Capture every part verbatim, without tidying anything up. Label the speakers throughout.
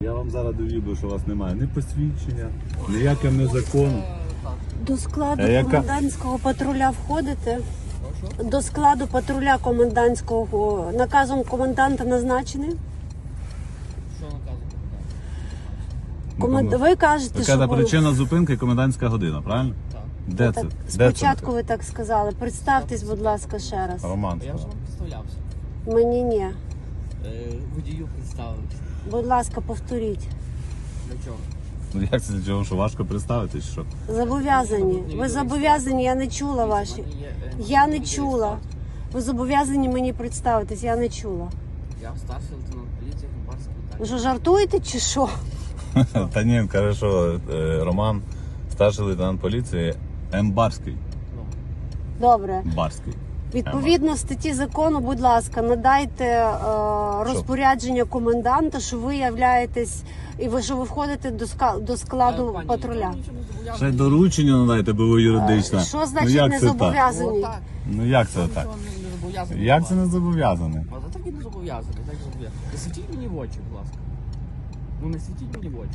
Speaker 1: Я вам зараз довів, що у вас немає ні посвідчення, ніяким не законом.
Speaker 2: До складу
Speaker 1: А яка-
Speaker 2: комендантського патруля входите? До складу патруля комендантського наказом коменданта назначений?
Speaker 3: Що наказу
Speaker 2: Комен... Ви кажете,
Speaker 1: Яка
Speaker 2: що
Speaker 1: та
Speaker 2: ви...
Speaker 1: причина зупинки комендантська година, правильно?
Speaker 3: Так.
Speaker 1: Де це?
Speaker 2: Так,
Speaker 1: Де
Speaker 2: спочатку
Speaker 1: це?
Speaker 2: ви так сказали. Представтесь, будь ласка, ще раз.
Speaker 1: Роман.
Speaker 3: Я вже вам представлявся.
Speaker 2: Мені ні.
Speaker 3: Е, водію представився.
Speaker 2: Будь ласка, повторіть.
Speaker 3: Для чого?
Speaker 1: Ну як це для чого, що важко представитись, що?
Speaker 2: Зобов'язані. Ви зобов'язані, я не чула ваші. Я не чула. Ви зобов'язані мені представитись, я не чула.
Speaker 3: Я старший лейтенант поліції Хмельницький
Speaker 2: Ви
Speaker 3: Віталій.
Speaker 2: що, жартуєте чи що?
Speaker 1: Та ні, хорошо, е, Роман, старший лейтенант поліції, М. Барський.
Speaker 3: Ну,
Speaker 2: Добре.
Speaker 1: Барський.
Speaker 2: Відповідно статті закону, будь ласка, надайте е, розпорядження коменданта, що ви являєтесь і ви що ви входите до, ска, до складу
Speaker 3: пані,
Speaker 2: патруля.
Speaker 3: ніхто нічого не зобов'язаний.
Speaker 1: Ще й доручення надайте, бо ви юридична.
Speaker 2: Що
Speaker 1: Ну
Speaker 2: значить
Speaker 1: як
Speaker 2: не
Speaker 1: це так?
Speaker 2: зобов'язані?
Speaker 3: Ну, так.
Speaker 1: Ну як це
Speaker 3: Ніхто
Speaker 1: так?
Speaker 3: нічого не- не зобов'язаний.
Speaker 1: Як це не зобов'язаний?
Speaker 3: А так і не зобов'язаний, так і зобов'язаний. Не світіть мені в очі, будь ласка. Ну не світіть мені в очі.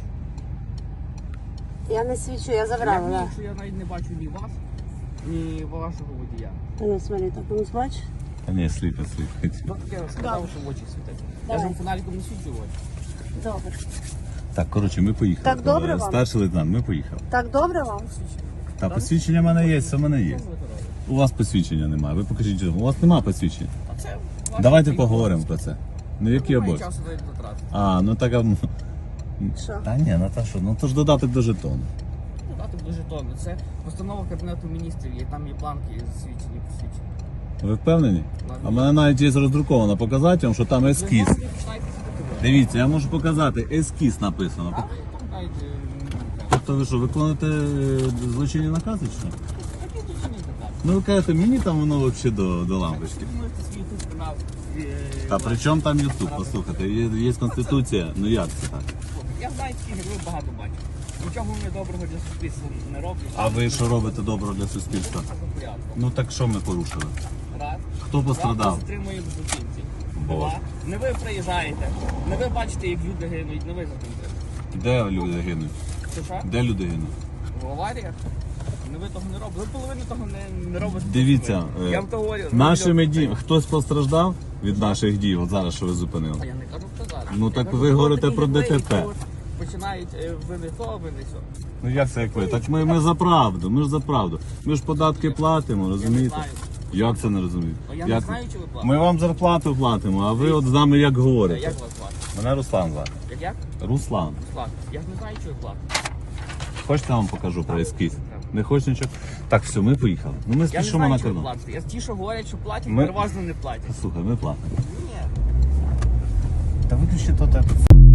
Speaker 2: Я не свідчу, я
Speaker 3: Як
Speaker 2: забрала.
Speaker 3: мені,
Speaker 2: Да.
Speaker 3: якщо я навіть не бачу ні вас, ні вашого водія.
Speaker 2: Ну, смотри, так ну, бач.
Speaker 1: Та ні, сліпить, сліпить.
Speaker 3: Хто таке сказав, що в очі світить? Я ж вам фонариком не свічу в очі.
Speaker 2: Добре.
Speaker 1: Так, коротше, ми поїхали.
Speaker 2: Так добре вам?
Speaker 1: Старший лейтенант, ми поїхали.
Speaker 2: Так добре вам?
Speaker 1: Та посвідчення в мене є, все в мене є. У вас посвідчення немає. Ви покажіть, що у вас немає посвідчення.
Speaker 3: А це ваше
Speaker 1: Давайте
Speaker 3: право.
Speaker 1: поговоримо про це. Ну які
Speaker 3: Немає
Speaker 1: обов'язки?
Speaker 3: часу навіть потратити.
Speaker 1: А, ну так. а, м,
Speaker 2: Що?
Speaker 1: Та ні, ну та що, ну то ж додаток до жетону.
Speaker 3: Додати до жетону. Це постанова Кабінету міністрів, є там є бланки засвідчені, посвідчені.
Speaker 1: Ви впевнені? А в мене навіть є роздруковано показати вам, що там ескіз.
Speaker 3: Ви починаєте світити.
Speaker 1: Дивіться, я можу показати, ескіз написано.
Speaker 3: А ви там знаєте,
Speaker 1: Тобто ви що, виконуєте е, злочинні накази чи що?
Speaker 3: такі злочинні накази.
Speaker 1: Ну ви кажете, мені там воно взагалі до, до лампочки.
Speaker 3: Ви можете свій YouTube канал. е,
Speaker 1: А при чому там Ютуб? Послухайте, є, є конституція, ну як це так?
Speaker 3: Я знаю, таких як ви багато бачу. Нічого вони доброго для суспільства не роблять.
Speaker 1: А ви що робите добро для суспільства?
Speaker 3: Це за порядком.
Speaker 1: Ну так що ми порушили?
Speaker 3: Раз.
Speaker 1: Хто пострадав?
Speaker 3: Вас затримуємо злочинці.
Speaker 1: Боже.
Speaker 3: Два. Не ви приїжджаєте. Не ви бачите, як люди гинуть, не ви затримуєте.
Speaker 1: Де люди гинуть?
Speaker 3: Що що?
Speaker 1: Де люди гинуть?
Speaker 3: В аваріях? Не ви того не робите. Ви половину того не, не робите.
Speaker 1: Дивіться,
Speaker 3: Ви.
Speaker 1: е,
Speaker 3: Я вам то говорю.
Speaker 1: Нашими
Speaker 3: роблю-
Speaker 1: діями. Хтось постраждав від наших дій, от зараз що ви зупинили?
Speaker 3: А я не кажу про зараз.
Speaker 1: Ну,
Speaker 3: Я
Speaker 1: так
Speaker 3: кажу,
Speaker 1: ви
Speaker 3: коли
Speaker 1: говорите
Speaker 3: такі
Speaker 1: про
Speaker 3: герої,
Speaker 1: ДТП.
Speaker 3: які от Починають е, ви не то, ви не сьо.
Speaker 1: Ну як це як ви? Так ми, ми за правду, ми ж за правду. Ми ж податки платимо, розумієте?
Speaker 3: знаю.
Speaker 1: Як це не розумієте?
Speaker 3: А я не
Speaker 1: Як?
Speaker 3: знаю, чи ви платите.
Speaker 1: Ми вам зарплату платимо, а ви от з нами як говорите.
Speaker 3: Як вас звати?
Speaker 1: Мене Руслан звати.
Speaker 3: Як як?
Speaker 1: Руслан.
Speaker 3: Руслан. Я ж не знаю, чи ви платите.
Speaker 1: Хочете, я вам покажу про ескіз? Не хочеш нічого? Так, все, ми поїхали. Ну ми
Speaker 3: Я не
Speaker 1: спішимо
Speaker 3: знаю,
Speaker 1: на
Speaker 3: чи ви
Speaker 1: кордон.
Speaker 3: платите. Я ті, що говорять, що платять,
Speaker 1: Ми-
Speaker 3: переважно не платять.
Speaker 1: Слухай, ми платимо.
Speaker 3: Ні.
Speaker 1: Та виключи то те.